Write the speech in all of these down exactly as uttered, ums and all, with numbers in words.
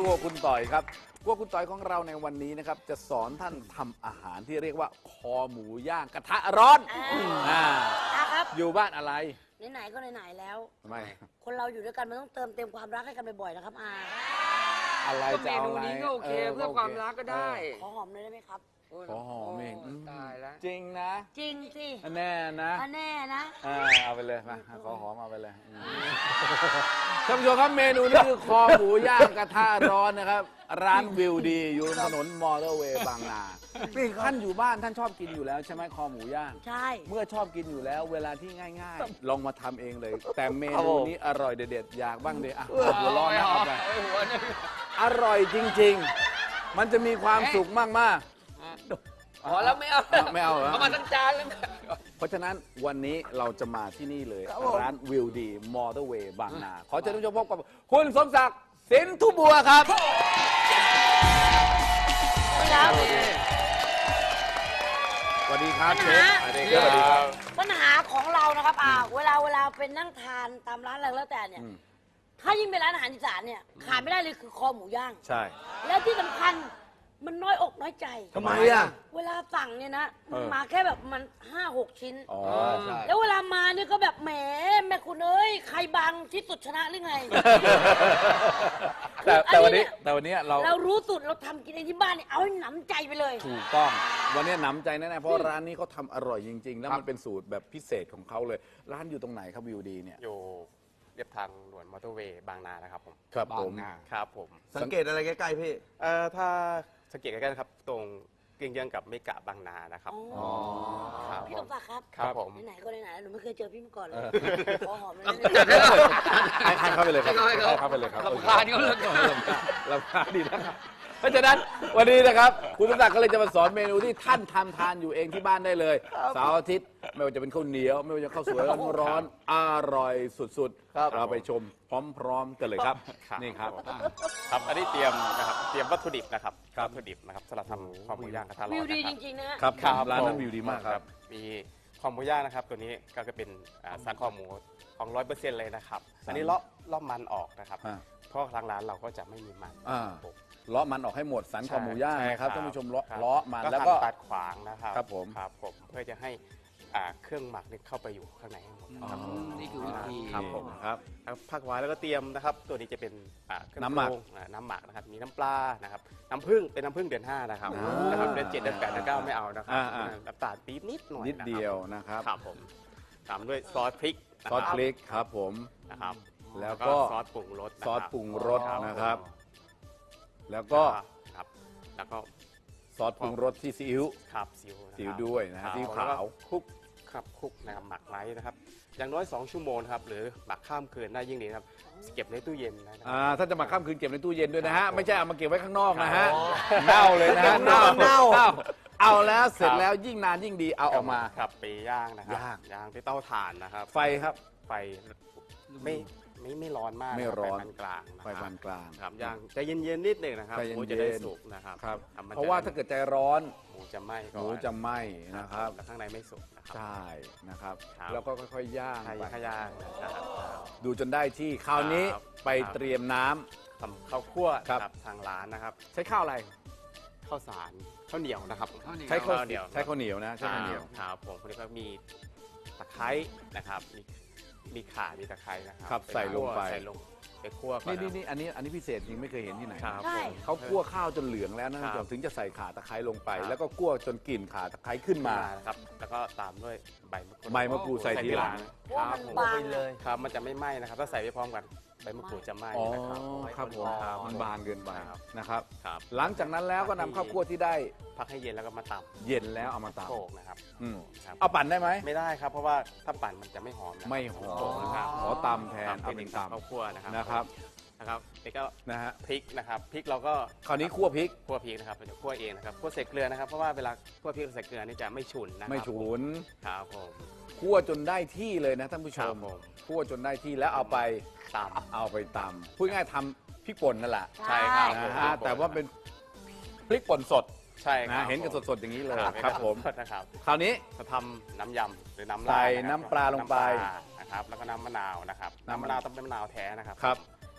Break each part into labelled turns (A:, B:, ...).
A: วคุณต่อยครับครัวคุณต่อยของเราในวันนี้นะครับจะสอนท่านทำอาหารที่เรียกว่าคอหมูย่างกระทะร้อนอ่า
B: ครับ
A: อยู่บ้านอะไร
B: ไหนๆก็ไหนๆแล้ว
A: ไม่
B: คนเราอยู่ด้วยกันมันต้องเติมเต็มความรักให้กันบ่อยๆนะครับอา
A: อะไรจะเอาอะไร
C: เมนูนี้ก็โอเคเพื่อความรักก็ได้
B: ขอหอมเลยได้ไหมครับ
A: ขอหอมเอง
C: ตายแล้ว
A: จริงนะ
B: จริงสิ
A: แน่นะ
B: แน่นะ
A: เอาไปเลยมาขอหอมเอาไปเลยท่านผู้ชมครับเมนูนี้คือคอหมูย่างกระทะร้อนนะครับร้านวิวดีอยู่ถนนมอเตอร์เวย์บางนาท่านอยู่บ้านท่านชอบกินอยู่แล้วใช่ไหมคอหมูย่าง
B: ใช่
A: เมื่อชอบกินอยู่แล้วเวลาที่ง่ายๆลองมาทำเองเลยแต่เมนูนี้อร่อยเด็ดๆอยากบ้างเลยอ่ะหัวร้อนนะเอาไปอร่อยจริงๆมันจะมีความสุขมากๆ
C: อ๋อแล้วไม่เอา
A: ไม่เอาเหรอ
C: เอามาทั้งจานแล้ว
A: เพราะฉะนั้นวันนี้เราจะมาที่นี่เลยร้านวิวดีมอเตอร์เวย์บางนาขอเชิญทุกท่านพบกับคุณสมศักดิ์สินทุบัวครับสวัสดีครับเชฟสวัสดีครับ
B: ปัญหาของเรานะครับอาเวลาเวลาเป็นนั่งทานตามร้านอะไรแล้วแต่เนี่ยถ้ายิ่งเป็นร้านอาหารอีสานเนี่ยขาดไม่ได้เลยคือคอหมูย่าง
A: ใช่
B: แล้วที่สำคัญมันน้อยอกน้อยใจ
A: ทำไมอ่ะ
B: เวลาสั่งเนี่ยนะมันมาแค่แบบมันห้าหกชิ้น
A: อ๋อใช่
B: แล้วเวลามาเนี่ยก็แบบแหมแม่คุณเอ้ยใครบางที่สุดชนะหรือไง
A: แต่แต่วันนี้แต่วันนี้เรา
B: เรารู้สุดเราทำกินเองที่บ้านเนี่ยเอาให้หนำใจไปเลย
A: ถูกต้องวันนี้หนำใจแน่ๆเพราะร้านนี้เขาทำอร่อยจริงๆแล้วมันเป็นสูตรแบบพิเศษของเขาเลยร้านอยู่ตรงไหนครับวิวดีเนี่ย
D: อยู่เรียบทางด่วนมอเตอร์เวย์บางนานะครับผม
A: ครับผม
D: ครับผม
E: สังเกตอะไรใกล้ๆพี่
D: เอ่อถ้าสังเกตใกล้ๆนะครับตรงเกี่ยงๆกับเมกะบางนานะครับ
B: อ๋อพี่ต้องฝากครับ
D: ครับผม
B: ไหนๆก็ไหนๆหนูไม่เคยเจอพี่มาก่อนเลยขอหอมเลย
A: ให้เข้าไปเลยครับให้เข้าไปเลยครับ
C: ลำคาญเขาเลย
A: ลำคาญดีนะครับเพราะฉะนั้นวันนี้นะครับคุณสมศักดิ์ก็เลยจะมาสอนเมนูที่ท่านทำทานอยู่เองที่บ้านได้เลยเสาร์อาทิตย์ไม่ว่าจะเป็นข้าวเหนียวไม่ว่าจะข้าวสวยร้อนๆอร่อยสุดๆเราไปชมพร้อมๆกันเลยครับนี่ครับ
D: ครับอันนี้เตรียมนะครับเตรียมวัตถุดิบนะครับวัตถุดิบนะครับสำหรับทำคอหมูย่างกระทะร้อน
B: วิวดีจริงๆนะครับ
A: ร้านนั้นวิวดีมากครับ
D: มีคอหมูย่างนะครับตัวนี้ก็จะเป็นสันคอหมูของร้อยเปอร์เซ็นต์เลยนะครับอันนี้เลาะเลาะมันออกนะครับเพราะทางร้านเราก็จะไม่มีมัน
A: เลาะมันออกให้หมดสันคอหมูย่างนะครับท่านผู้ชมเลาะเลาะมันแล้ว
D: ก็ตัดขวางนะครับ
A: ครับผม
D: ครับผมเพื่อจะให้เครื่องหมักนี่เข้าไปอยู่ข้างในให้หมดครับ
C: นี่คือวิธี
D: ครับผมครับผักไว้แล้วก็เตรียมนะครับตัวนี้จะเป็น
A: น้ำหมัก
D: น้ำหมักนะครับมีน้ำปลานะครับน้ำผึ้งเป็นน้ำผึ้งเดือนห้านะครับนะครับเดือนเจ็ดเดือนแปดเดือนเก้าไม่เอานะครับน้ำตาลปี๊บนิดหน่อย
A: นิดเดียวนะครับ
D: ครับผมตามด้วยซอสพริก
A: ซอสพริกครับผม
D: นะครับ
A: แล้วก็
D: ซอสปรุงรส
A: ซอสปรุงรสนะครับแล้วก็
D: ครับแล้วก็
A: ซอสปรุงรสที่ซีอิ๊ว
D: ครับซีอิ๊ว
A: ซีอิ๊วด้วยนะซีอิ๊วขาว
D: คลุกครับคลุกนะครับหมักไว้นะครับอย่างน้อยสองชั่วโมงครับหรือหมักข้ามคืนได้ยิ่งดีครับเก็บในตู้เย็นนะ
A: อ่าถ้าจะหมักข้ามคืนเก็บในตู้เย็นด้วยนะฮะไม่ใช่เอามาเก็บไว้ข้างนอกนะฮะเน่าเลยนะฮะเน่าเน่าเอาแล้วเสร็จแล้วยิ่งนานยิ่งดีเอาออกมา
D: ครับไปย่างนะครับ
A: ย่าง
D: ย่างที่เตาถ่านนะครับ
A: ไฟครับ
D: ไฟไม่ไม่ไม่ร้อนมาก
A: ไม่ร้อน
D: ไฟปานกลาง
A: ไฟปานกลาง
D: ครับย่างใจเย็นๆนิดหนึ่งนะครับหมูจะได้สุกนะครับ
A: เพราะว่าถ้าเกิดใจร้อน
D: หมูจะไหม้
A: หมูจะไหม้นะครับ
D: แต่ข้างในไม่สุกนะครับ
A: ใช่นะครับแล้วก็ค่อยๆย่าง
D: ไปย่างนะครับ
A: ดูจนได้ที่คราวนี้ไปเตรียมน้
D: ำทำข้าวคั่วกับทางร้านนะครับ
A: ใช้ข้าวอะไร
D: ข้าวสารข้าวเหนียวนะครับ
A: ใช้ข้าวเหนียวใช้ข้าวเหนียวนะใช้ข้าวเหนียว
D: ครับผมคนนี้ก็มีตะไคร้นะครับมีมีข่ามีตะไคร้นะครับ
A: ใส่ลงไป
D: ใส่ลงไปคั่วก่อน
A: นี่นี่อันนี้อันนี้พิเศษจริงไม่เคยเห็นที่ไหน
B: ใช่
A: เขาคั่วข้าวจนเหลืองแล้วนะถึงจะใส่ข่าตะไคร้ลงไปแล้วก็คั่วจนกลิ่นข่าตะไคร้ขึ้นมา
D: ครับแล้วก็ตามด้วยใบมะกรูด
A: ใบมะกรูดใส่ทีหลัง
B: ครับมันบาง
D: เลยครับมันจะไม่ไหม้นะครับถ้าใส่ไปพร้อมกันใบมะกรูดจะไหม้นะครับ
A: ครับผมมันบางเกินไปนะครับ
D: ครับ
A: หลังจากนั้นแล้วก็นำข้าวคั่วที่ได้
D: พักให้เย็นแล้วก็มาตำ
A: เย็นแล้วเอามาตำ
D: โขลกนะครับ
A: เอาปั่นได้ไหม
D: ไม่ได้ครับเพราะว่าถ้าปั่นมันจะไม่หอม
A: ไม่หอมนะครับขอตำแทนเอาเป็นตำ
D: ข้าวคั่วนะครับ
A: นะครับ
D: นะครับนี่ก็
A: นะฮะ
D: พริกนะครับพริกเราก็
A: คราวนี้คั่วพริก
D: คั่วพริกนะครับเราจะคั่วเองนะครับคั่วใส่เกลือนะครับเพราะว่าเวลาคั่วพริกใส่เกลือนี่จะไม่ฉุนนะครับ
A: ไม่ฉุน
D: ครับผม
A: คั่วจนได้ที่เลยนะท่านผู้ชมคั่วจนได้ที่แล้วเอาไป
D: ตำ
A: เอาไปตำพูดง่ายทำพริกป่นนั่นแหละ
D: ใช่ครับ
A: นะฮะแต่ว่าเป็นพริกป่นสด
D: ใช่
A: นะเห็นกันสดๆอย่างนี้เลยครับผม
D: นะครับ
A: คราวนี้
D: จะทำน้ำยำหรือน้ำ
A: ใส่น้ำปลาลงไป
D: นะครับแล้วก็น้ำมะนาวนะครับน้ำมะนาวต้องเป็นมะนาวแท้นะครับ
A: ครับ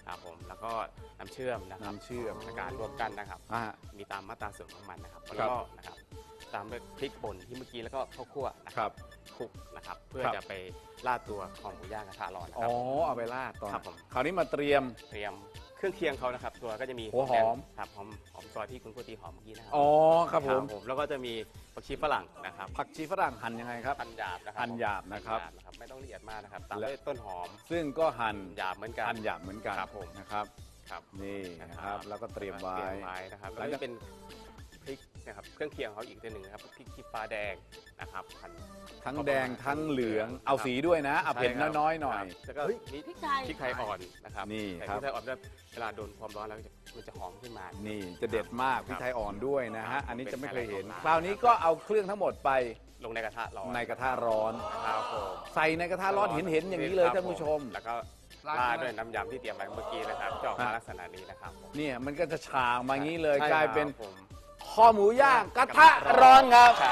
D: ครับผมแล้วก็น้ำเชื่อมนะครับ
A: น้ำเชื่อม
D: ในการรวมกันนะครับ
A: อ่า
D: มีตามมาตราส่วนของมันนะครับ
A: ครั
D: แล้
A: บ
D: วก็นะครับตามด้วยพริกป่นที่เมื่อกี้แล้วก็ข้าวคั่วนะค
A: ครั
D: รับ คลุกนะครับเพื่อ
A: ครับ
D: จะไปราดตัวคอหมูย่างกระทะร้อนนะ
A: อ๋
D: ค
A: อ
D: รับ
A: เอาไปราดตอน
D: ครับผม
A: คราวนี้มาเตรียม
D: เตรียมเครื่องเคียงเขานะครับ ตัวก็จะมี
A: หัวหอม
D: แดงครับหอมหอมซอยที่คุณโกตีหอมเมื่อกี้นะครั
A: อ๋อครับผม
D: แล้วก็จะมีผักชีฝรั่งนะครับ
A: ผักชีฝรั่งหั่นยังไงครับ
D: หั่นหยาบนะครับ
A: หั่นหยาบนะครับ
D: หั่หยาไม่ต้องละเอียดมากนะครับตาม
A: และ
D: ด้วยต้นหอม
A: ซึ่งก็หั่น
D: หยาบเหมือนกัน
A: หั่นหยาบเหมือนกัน
D: ครับผม
A: นะครับ
D: ครับ
A: นี่นะครับแล้วก็เตรียมไว้
D: เตรียมไว้นะครับ
A: แล้
D: แล้ว ว
A: จะ
D: จะเป็นพริกนะครับเครื่องเคียงเขาอีกตัวหนึ่งนะครับพริกขี้ฟ้าแดงนะครับหั่น
A: ทั้งแดงทั้งเหลืองเอาสีด้วยนะเอาเผ็ด
D: ใช่ครับ
A: น้อยๆหน่อย
D: ครับแล้วก็มี
B: พริกไทย
D: พริกไทยอ่อนนะครับ
A: นี่
D: ใส่
A: ครับ
D: พริกไทยอ่อนด้วยเวลาโดนความร้อนแล้วจะมันจะหอมขึ้นมา
A: นี่จะเด็ดมาก
D: ครับ
A: พริกไทยอ่อนด้วยนะ
D: ครั
A: ฮะ
D: บ
A: อันนี้จะไม่เคยเห็น
D: เป็นไฮไลท์ของร้าน
A: คราวนี้ก็เอาเครื่องทั้งหมดไป
D: ลงในกระทะร้อน
A: ในกระทะร้อน
D: ครับผม
A: ใส่ในกระทะร้อนเห็นเห็นๆอย่างนี้เลย
D: ครับ
A: ท่านผู้ชม
D: แล้วก็
C: ราด
D: ราด
C: ด้
D: ด้
C: ว
D: วย ยน้ำยำที่เตรียมไว้เมื่อกี้นะครับจะออกมาลักษณะนี้นะครับผม
A: เนี่ยมันก็จะฉางมางี้เลย
D: ใช่
A: กลายเป็น
D: ครับผม
A: คอหมูย่างกระทะร้อนครับ
D: ใช่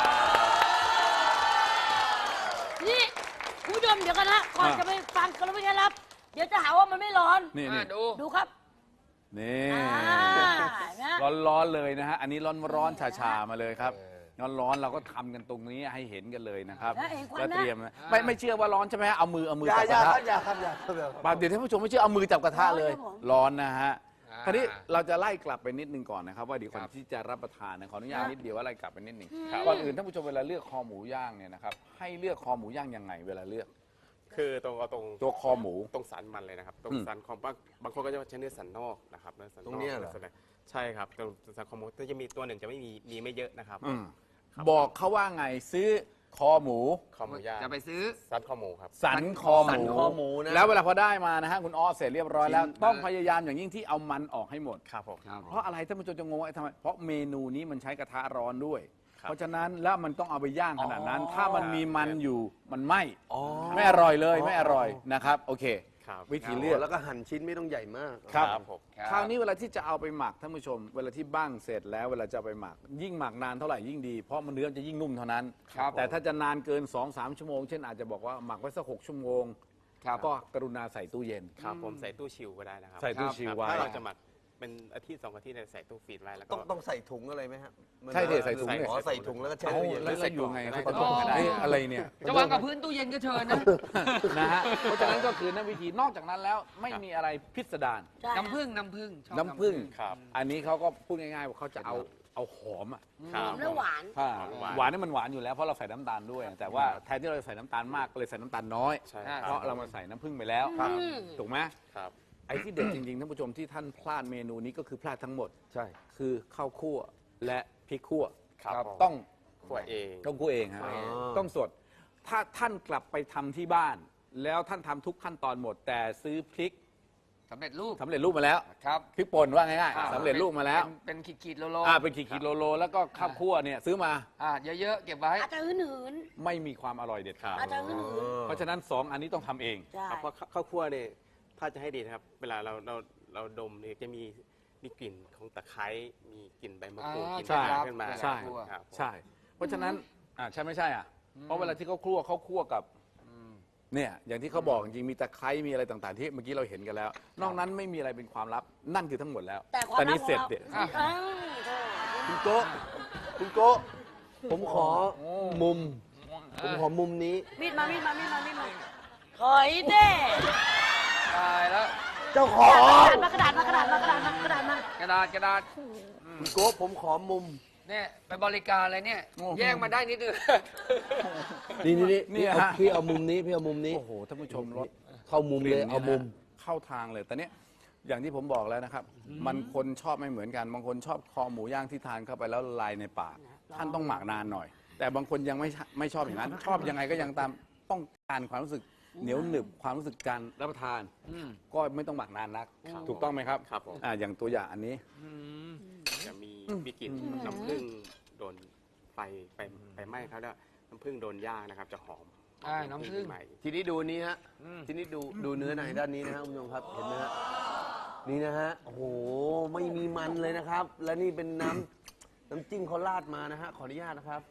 B: นี่คุณผู้ชมเดี๋ยวกันนะก่อน
A: อ่ะ
B: จะไปฟังกันแล้วไม่ใช่รับ เดี๋ยวจะหาว่ามันไม่ร้อน
A: นี่
C: อ่ะ
A: นี่
C: ดู
B: ดูครับ
A: นี่
B: อ่านะ
A: ร้อนๆเลยนะฮะอันนี้ร้อนๆชาๆมาเลยครับร้อนๆเราก็ทำกันตรงนี้ให้เห็นกันเลยนะครับ
B: แล้วเองควัน
A: แล้ว
B: นะ
A: เตรียมนะไม่ไม่เชื่อว่าร้อนใช่ไหมฮะเอามือเอามือ
E: อย่า
A: จับ
E: อก ย่า
A: ระ
E: ค
A: ทะ
E: รับอย่าครับอย่าครับอย่าครับ
A: ปากเดี๋ยวท่านผู้ชมไม่เชื่อเอามือจับกระทะเลย
B: ร้อนครับผม
A: ร้อนนะฮะ
C: อ่า
A: คราวนี้เราจะไล่กลับไปนิดนึงก่อนนะครับว่าเดี๋ยวก่อน
C: ครับ
A: ที่จะรับประทานนะขออนุญาต
B: ครับ
A: นิดเดียวว่าไล่กลับไปนิดหนึ่ง
B: ครับ
A: ก่อนอื่นท่านผู้ชมเวลาเลือกคอหมูย่างเนี่ยนะครับให้เลือกคอหมูย่างยังไงเวลาเลือก
D: คือตรงเอาตรง
A: ตัวคอหมู
D: ตรงสันมันเลยนะครับตรง
A: อืม
D: สันของบางบางคนก็จะใช้เนื้อสันนอกนะครับเนื้อสันนอก
E: ตรงเนี้ยเหรอ
D: ส่วนใญ่ใช่ครับตรงสันของหมูก็จะมีตัวหนึ่งจะไม่มีมีไม่เยอะนะครับ
A: อืม
D: ครับ
A: บอกเขาว่าไงซื้อคอหมู
D: คอหมูย่าง
C: จะไปซื้อ
D: สันคอหมูครับ
A: สันคอห
E: สัน
A: มู
E: คอหมูนะ
A: แล้วเวลาพอได้มานะฮะคุณอ้อเสร็จเรียบร้อยแล้ว
C: ชิ้น
A: ต้องพยายามอย่างยิ่งที่เอามันออกให้หมด
D: ครับผม
C: ครับ
A: เพราะอะไรท่านผู้ชมจะงงว่าทำไมเพราะเมนูนี้มันใช้กระทะร้อนด้วย
D: ครับ
A: เพราะฉะนั้นแล้วมันต้องเอาไปย่างขนาดนั้น ถ้ามันมีมันอยู่มันไหม
E: อ๋อ
A: ไม่อร่อยเลยไม่อร่อยนะครับโอเค
D: ครับ
A: วิธีเลือก
E: แล้วก็หั่นชิ้นไม่ต้องใหญ่มาก
A: ครับ
D: ครับผม
A: คราวนี้เวลาที่จะเอาไปหมักท่านผู้ชม เวลาที่บ้างเสร็จแล้วเวลาจะเอาไปหมัก ยิ่งหมักนานเท่าไหร่ยิ่งดีเพราะมันเนื้อจะยิ่งนุ่มเท่านั้น
C: ครับ
A: แต่ถ้าจะนานเกิน สองสาม ชั่วโมงเช่นอาจจะบอกว่าหมักไว้สักหกชั่วโมง
C: ครับ
A: ก็กรุณาใส่ตู้เย็น
D: ครับผมใส่ตู้ชิลก็ได้นะครับ
A: ใส่ตู้ชิลไว้
D: ถ้าเราจะหมักเป็นอาทิตย์สองอาทิตย์เนี่ยใส่ตู้ฟรีซไว้แล้วก็
E: ต้องต้องใส่ถุงอะไรไหมฮะมัน
A: ใช่ดิใส่ถุงดิ
E: อ๋อใส่ถุงแล้วก็แช่
A: เอ้า
E: ตู้เย็น
A: แล้วเราอยู่ไง
D: ใส่
A: เขา
D: กล่
A: จะ
D: องก็ได้
A: เอ๊ะอะไรเนี่ย
C: จะวางกับพื้นตู้เย็นก็เชิญนะ
A: นะฮะเพราะฉะนั้นก็คือนั่นวิธีนอกจากนั้นแล้วไม่มีอะไรพิสดาร
B: ใช่
C: น้ำผึ้งน้ำผึ้งชอบ
A: น้ำผึ้ง
D: ครับ
A: อันนี้เขาก็พูดง่ายๆว่าเขาจะเอาเอาหอมอ่ะ
D: ครั
B: ห
D: บ
B: อมและหวาน
A: อ่า
D: หวาน
A: หวานนี่มันหวานอยู่แล้วเพราะเราใส่น้ำตาลด้วย แต่ว่าแทนที่เราจะใส่น้ำตาลมากก็เลยใส่น้ำตาลน้อย
D: ใช่
A: เพราะเรามาใส่น้ำผึ้งไปแล้ว
B: ครับ
A: ถูกไหม
D: ครับ
A: ไอ้ที่เด็ดจริงๆท่านผู้ชมที่ท่านพลาดเมนูนี้ก็คือพลาดทั้งหมด
E: ใช่
A: คือข้าวคั่วและพริกคั่ว
D: ครับผม
A: ต้อง
D: ขัวเอง
A: ต้องคั่วเองฮะ
E: อ๋อ
A: ต้องสด ถ้าท่านกลับไปทำที่บ้าน แล้วท่านทำทุกขั้นตอนหมด แต่ซื้อพริก
C: สำเร็จรูป
A: สำเร็จรูปมาแล้ว
C: ครับ
A: พริกป่นว่าง่าย
C: อ่า
A: ๆสำเร็จรูปมาแล้ว
C: เป็นเป็นขีดๆโลโล
A: อ่าเป็นขีดๆโลโลแล้วก็ข้าวคั่วเนี่ยซื้อมา
C: อ่าเยอะๆเก็บไว้
B: อาจจะหืนหืน
A: ไม่มีความอร่อยเด็ดขาด
B: ๆอาจจะหืนหืน
A: เพราะฉะนั้นสองอันนี้ต้องทำเอง
B: ๆใช่
D: ครับเพราะข้าวคั่วเนี่ยถ้าจะให้ดีนะครับ เวลาเราเราเราดมเนี่ยจะมีมีกลิ่นของตะไคร้มีกลิ่นใบมะกรูด
C: อ่าก
D: ลิ่น
A: ใช่
D: ข่าขึ้นมา
A: ใช่
D: ครับผม
A: ใช่ เพราะฉะนั้นอ่าใช่ไม่ใช่อ่ะ เพราะเวลาที่เขาคั่วเขาคั่วกับเนี่ยอย่างที่เขาบอกจริงๆมีตะไคร้มีอะไรต่างๆ ที่เมื่อกี้เราเห็นกันแล้ว นอกนั้นไม่มีอะไรเป็นความลับนั่นคือทั้งหมดแล้ว
B: แต่ความลับ
A: นี้
B: ของ
A: เสร็จ
B: เรา
A: เด็ด
B: อ้าวโธ่
E: คุณโก้คุณโก้ผมขอมุม ผมขอมุมนี้
B: มีดมามีดมามีดมามีดมาถอยเด้
C: ตายแล้ว
E: เจ้าของ
B: มากระดาษมากระดาษมากระดาษมากระดาษมากระดาษมาก
C: ระดาษกระดาษ
E: คุณโก้ผมขอมุม
C: เนี่ยไปบริการอะไรเนี่ย แย่งมาได้นิดนึง
E: นี่นี่นี่
A: นี่
E: พี่เอา
A: ฮะ
E: พี่เอามุมนี้พี่เอามุมนี้
A: โอ้โหท่านผู้ชมรส
E: เข้ามุมเลยเอามุม
A: เข้าทางเลยแต่เนี้ยอย่างที่ผมบอกแล้วนะครับ มันคนชอบไม่เหมือนกัน บางคนชอบคอหมูย่างที่ทานเข้าไปแล้วละลายในปากท่านต้องหมักนานหน่อย แต่บางคนยังไม่ชไม่ชอบอย่างนั้น ชอบยังไงก็ยังตามต้องการความรู้สึกเหนียวหนึบความรู้สึกการรับประทาน
C: อืม
A: ก็ไม่ต้องหมักนานนัก ถูกต้องไหมครับ
D: ครับผม
A: อ่าอย่างตัวอย่างอันนี้
C: อืม
D: จะมีมีกลิ่นน้ำผึ้งโดนไฟไปไปไหม้เขาแล้วน้ำผึ้งโดนย่างนะครับ จะหอม
C: อ่าน้ำผึ้ง
D: ใหม่
E: ทีนี้ดูนี้ฮะ
C: อืม
E: ทีนี้ดูดูเนื้อในด้านนี้นะฮะคุณผู้ชมครับ เห็นไหมฮะ นี่นะฮะ โอ้โห ไม่มีมันเลยนะครับ และนี่เป็นน้ำ น้ำจิ้มเขาราดมานะฮะ ขออนุญาตนะครับ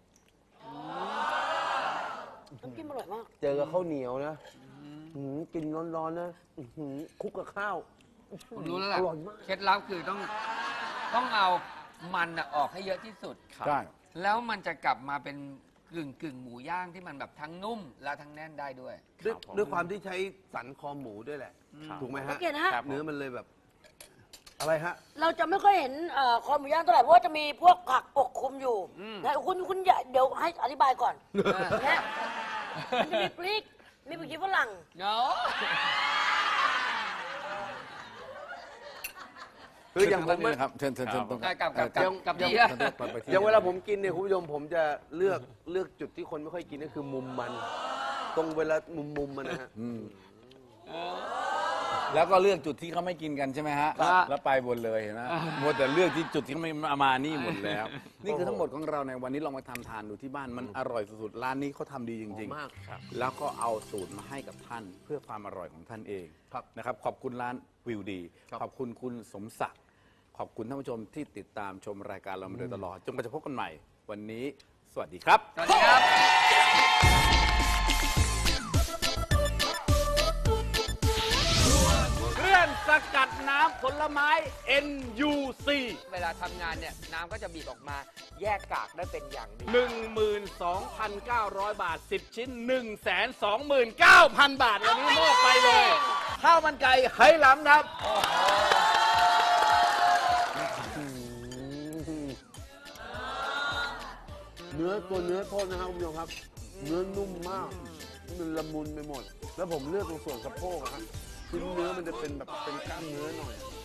B: น้ำจิ้มอร่อยมาก
E: เจอกับข้าวเหนียวนะหืมกินร้อนๆนะอื้อหือคลุกกับข้าว
C: ผมรู้แล้วล่ะ
E: อร่อยมาก
C: เคล็ดลับคือต้องต้องเอามันอะออกให้เยอะที่สุด
A: ใช่
C: แล้วมันจะกลับมาเป็นกึ่งกึ่งหมูย่างที่มันแบบทั้งนุ่มและทั้งแน่นได้ด้วย
E: ด้วย
D: ครับผม
E: ด้วยความที่ใช้สันคอหมูด้วยแหละ
D: ครับ
E: ถูกไหม
B: สั
E: ฮะ
B: งเกตนะฮะ
D: ครับ
E: เนื้อมันเลยแบบ อะไรฮะ
B: เราจะไม่ค่อยเห็นเอ่อคอหมูย่างเท่าไหร่เพราะว่าจะมีพวกผักปกคลุมอยู่นะคุณคุณอย่าเดี๋ยวให้อธิบายก่อนนะมันจะมีพริกมีผักชีฝรั่ง
C: เนาะ
E: คืออย่างผม
A: เชิญทางด้านนี้นะครับเชิญเชิญเชิญตรง
C: กับกับกับ
A: เอ่อ
C: กับ
A: เดี๋ยว
C: ที่อะ
A: เดี๋ยวไปไปที่
E: อย่างเวลาผมกินเนี่ยคุณผู้ชมผมจะเลือกเลือกจุดที่คนไม่ค่อยกินก็คือมุมมัน ตรงเวลามุมมุมมันนะฮะ
A: อืมแล้วก็เลือกจุดที่เขาไม่กินกันใช่ไหมฮะ
C: ครับ
A: แล้วไปบนเลยเห็นะมัวแต่เลือกที่จุดที่เขาไม่มานี่หมดแล้ว นี่คือทั้งหมดของเราในวันนี้ลองมาทำทานดูที่บ้านมันอร่อยสุดๆร้านนี้เขาทำดีจริง
E: มาก
A: ๆ แล้วก็เอาสูตรมาให้กับท่านเพื่อความอร่อยของท่านเอง
E: ครับ
A: นะครับขอบคุณร้านวิวดี
E: ครับ
A: ขอบคุณคุณสมศักดิ์ขอบคุณท่านผู้ชมที่ติดตามชมรายการเรามาโดยตลอดจนกว่าจะพบกันใหม่ วันนี้สวัสดีครับ
C: สวัสดีครับ
A: เครื่องสกัดน้ำผลไม้ เอ็น ยู ซี
C: เวลาทำงานเนี่ยน้ำก็จะบีบออกมาแยกกากได้เป็นอย่างดี
A: หนึ่งหมื่นสองพันเก้าร้อย บาท สิบ ชิ้น หนึ่งแสนสองหมื่นเก้าพัน บาท วันนี้มอบไปเลย ข้าวมันไก่ไหหลำครับ
E: เนื้อตัวเนื้อโทษนะครับคุณผู้ชมครับ เนื้อนุ่มมากมันละมุนไปหมด แล้วผมเลือกตรงส่วนสะโพกอะฮะชิ้นเนื้อมันจะเป็นแบบเป็นกล้ามเนื้อหน่อย